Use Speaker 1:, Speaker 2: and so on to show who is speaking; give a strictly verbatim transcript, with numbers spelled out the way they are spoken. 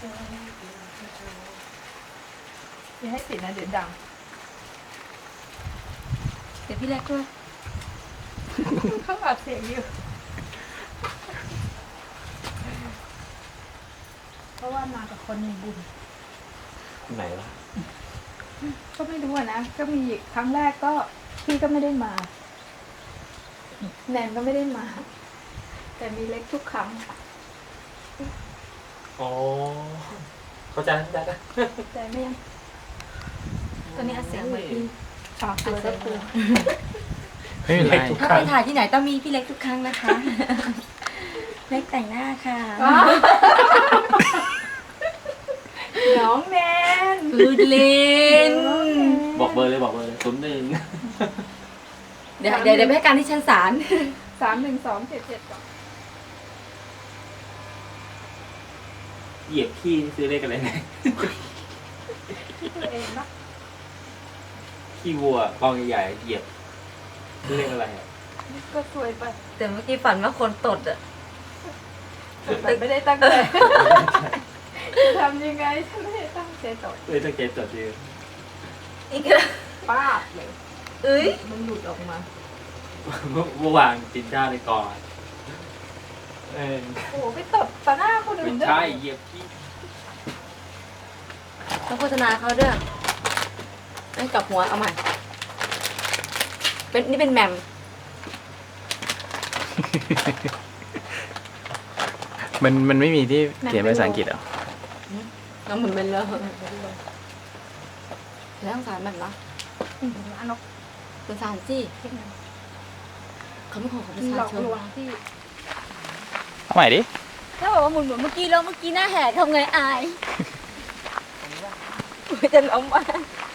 Speaker 1: อย่าให้ปิดนะเดี๋ยวดัง
Speaker 2: เดี๋ยวพี่เล็กด้วย
Speaker 1: เขาอัดเสียงอยู่เพราะว่ามากับคนมีบุญ
Speaker 3: คนไหนวะ
Speaker 1: ก็ไม่รู้อะนะก็มีครั้งแรกก็พี่ก็ไม่ได้มาแนนก็ไม่ได้มา แต่มีเล็กทุกครั้ง
Speaker 3: อ๋อเข้าใจเข้าใจนะ
Speaker 1: แต่ไม่ยัง
Speaker 2: ตอนนี้อัดเสียงเหมือนพี่
Speaker 1: ฝากตัวก็กลัว
Speaker 4: ไม่เป็นไร
Speaker 2: ถ้าไปถ่ายที่ไหนต้องมีพี่เล็กทุกครั้งนะคะ เล็กแต่งหน้าค่ะ
Speaker 1: น้องแนน
Speaker 2: พูดเล่น
Speaker 3: บอกเบอร์เลยบอกเบอร์เลยศูนย์หนึ่ง
Speaker 2: เดี๋ยวเดี๋ยวเดี๋ยวไปให้การที่ชั้นศาล
Speaker 1: สามหนึ่งสองเจ็ดเจ็ดสอง
Speaker 3: เหยียบขี้นี่ซื้อเลขอะไรไง
Speaker 1: ตัวเองนะ
Speaker 3: ขี้วัวกองใหญ่ๆเหยียบซื้อเลขอะไรอ่ะ
Speaker 1: ก็สวยไป
Speaker 2: แต่เมื่อกี้ฝันว่าคนตดอ่ะ
Speaker 1: แต่ไม่ได้ตั้งใจจะทำยังไงฉันไม่ได้ตั้งใจต่อ
Speaker 3: เลยต้องเก็บจดชื่อ
Speaker 2: อีกแล้ว
Speaker 1: ป้าบเลย
Speaker 2: เอ้ย
Speaker 1: มันหลุดออกมา
Speaker 3: เมื่อวานกินข้าวในกองเออ
Speaker 1: โอ้โหไปตบต่อหน้าคนอื่
Speaker 3: ไม่
Speaker 1: นด้วย
Speaker 3: ใช่เหยียบขี้
Speaker 2: ต้องโฆษณาเขาด้วยให้กลับหัวเอาใหม่ เป็นนี่เป็นแหมม
Speaker 4: มันมันไม่มีที่เขียนเป็นภาษาอังกฤษเหรอ
Speaker 2: แล้วมันเป็นเลยแล้วสงสารมันเหรอ
Speaker 1: ร้านนก
Speaker 2: สงสารสิเขาไม่ขอของประ
Speaker 1: หล
Speaker 2: ชา
Speaker 1: อก
Speaker 2: ชน
Speaker 1: ลวงที่
Speaker 4: เอาใหม่ดิ
Speaker 2: ถ้าบอกว่าหมุนเหมือนเมื่อกี้แล้วเมื่อกี้หน้าแหกทำไงอายจะล้มอ่ะ